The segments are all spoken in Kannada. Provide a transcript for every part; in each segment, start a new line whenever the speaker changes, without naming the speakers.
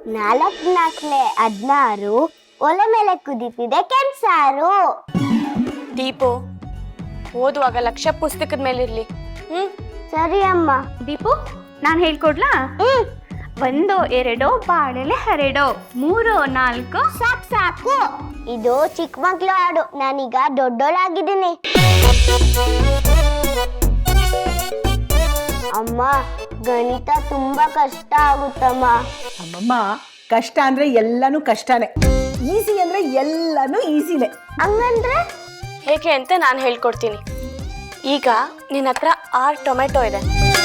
4 4 16 ಒಲೆ ಮೇಲೆ ಕುದೀತಿದೆ ಕೆಂಸಾರು.
ದೀಪು, ಓದುವಾಗ ಲಕ್ಷ್ಯ ಪುಸ್ತಕದ ಮೇಲಿರ್ಲಿ.
ಸರಿ ಅಮ್ಮ.
ದೀಪು, ನಾನು ಹೇಳ್ಕೊಡ್ಲಾ? 1 2 ಬಾಳೆಲೆ ಹರಡೋ, 3 4
ಸಾಕು ಸಾಕು, ಇದು ಚಿಕ್ಕ ಮಕ್ಳು ಹಾಡು. ನಾನೀಗ ದೊಡ್ಡೋಳಾಗಿದ್ದೀನಿ. ಅಮ್ಮ, ಗಣಿತ ತುಂಬಾ ಕಷ್ಟ ಆಗುತ್ತಮ್ಮ.
ಅಮ್ಮಮ್ಮ, ಕಷ್ಟ ಅಂದ್ರೆ ಎಲ್ಲಾನು ಕಷ್ಟನೇ, ಈಸಿ ಅಂದ್ರೆ ಎಲ್ಲಾನು ಈಸಿನೇ.
ಹಂಗಂದ್ರೆ
ಹೇಗೆ ಅಂತ ನಾನು ಹೇಳ್ಕೊಡ್ತೀನಿ. ಈಗ ನಿನ್ನ ಹತ್ರ 6 ಟೊಮೆಟೊ ಇದೆ.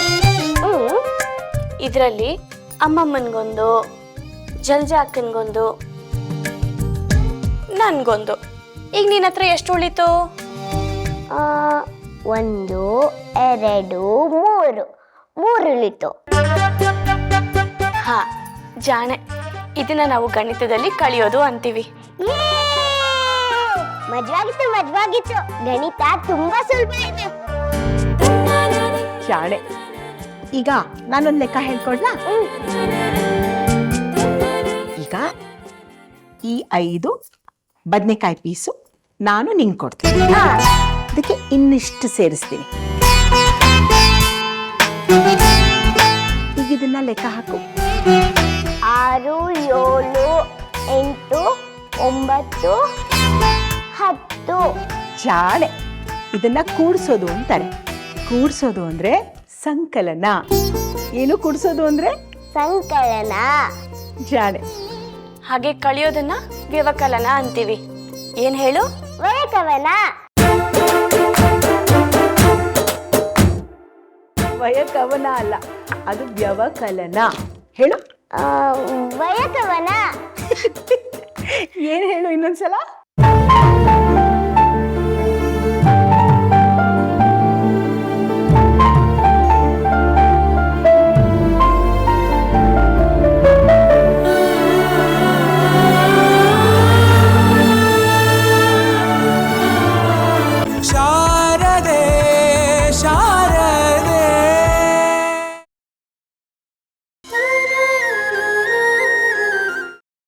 ಇದರಲ್ಲಿ ಅಮ್ಮಮ್ಮನಿಗೊಂದು, ಜಲ್ಜಾ ಅಕ್ಕನಿಗೊಂದು, ನನ್ಗೊಂದು. ಈಗ ನಿನ್ನ ಹತ್ರ ಎಷ್ಟು ಉಳಿತು?
1 2 3 ಉಳಿತು.
ಹಾ, ಜಾಣೆ. ಇದನ್ನ ನಾವು ಗಣಿತದಲ್ಲಿ ಕಳಿಯೋದು ಅಂತೀವಿ.
ಮಜವಾಗಿತ್ತು. ಗಣಿತ ತುಂಬಾ ಸುಲಭ ಇದೆ.
ಶಾಣೆ. ಈಗ ನಾನೊಂದು ಲೆಕ್ಕ ಹೇಳ್ಕೊಡ್ಲಾ? ಈಗ ಈ 5 ಬದನೆಕಾಯಿ ಪೀಸು ನಾನು ನಿಂಗೆ ಕೊಡ್ತೀನಿ. ಅದಕ್ಕೆ ಇನ್ನಿಷ್ಟು ಸೇರಿಸ್ತೀನಿ. ಈಗ ಇದನ್ನ ಲೆಕ್ಕ ಹಾಕು.
6 7 8 9 10.
ಜಾಣೆ. ಇದನ್ನ ಕೂಡ್ಸೋದು ಅಂತಾರೆ. ಕೂಡ್ಸೋದು ಅಂದ್ರೆ ಸಂಕಲನ. ಏನು ಕೂಡ್ಸೋದು ಅಂದ್ರೆ?
ಸಂಕಲನ.
ಜಾಣೆ.
ಹಾಗೆ ಕಳಿಯೋದನ್ನ ವ್ಯವಕಲನ ಅಂತೀವಿ. ಏನ್ ಹೇಳು?
ವಯಕವನ.
ವಯಕವನ ಅಲ್ಲ, ಅದು ವ್ಯವಕಲನ. ಹೇಳು.
ವಯಕವನ.
ಏನ್ ಹೇಳು ಇನ್ನೊಂದ್ಸಲ?